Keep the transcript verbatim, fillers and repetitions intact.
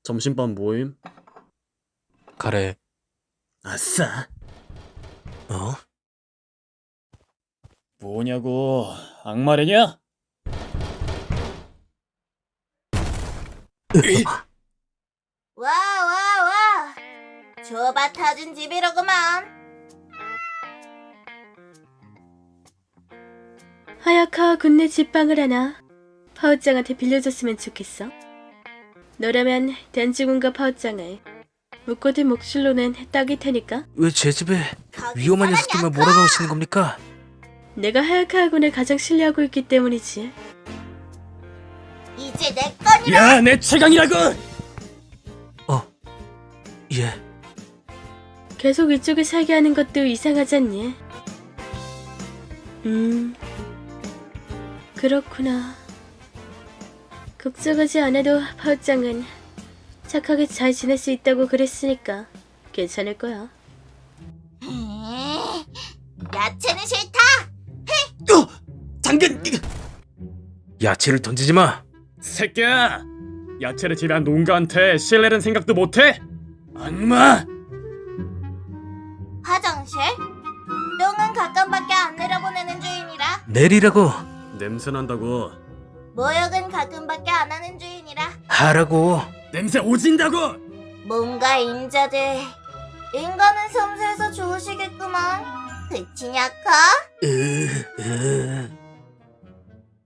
점심밥 모임? 가래. 아싸. 어? 뭐냐고, 악마래냐? 와, 와, 와. 좁아 터진 집이로구만. 하야카와 군내 집방을 하나 파우짱한테 빌려줬으면 좋겠어. 너라면 단지군과 파우짱을 묶어둔 목줄로는 딱일 테니까. 왜 제 집에 거기 위험한 사람이 녀석들만 안 몰아넣으시는 겁니까? 내가 하야카와 군을 가장 신뢰하고 있기 때문이지. 이제 내 거니라. 야, 내 최강이라고! 어, 예. 계속 이쪽을 살게 하는 것도 이상하지 않니? 음, 그렇구나. 걱정하지 않아도 파우짱은 착하게 잘 지낼 수 있다고 그랬으니까 괜찮을 거야. 에이, 야채는 싫다. 어! 당근! 야채를 던지지 마. 새끼야! 야채를 지배한 농가한테 신뢰는 생각도 못해? 악마! 화장실? 똥은 가끔밖에 안 내려보내는 주인이라. 내리라고. 냄새난다고. 모욕은 가끔밖에 안 하는 주인이라. 하라고. 냄새 오진다고! 뭔가 임자들. 인간은 섬세해서 좋으시겠구만. 그치냐커? 으, 으.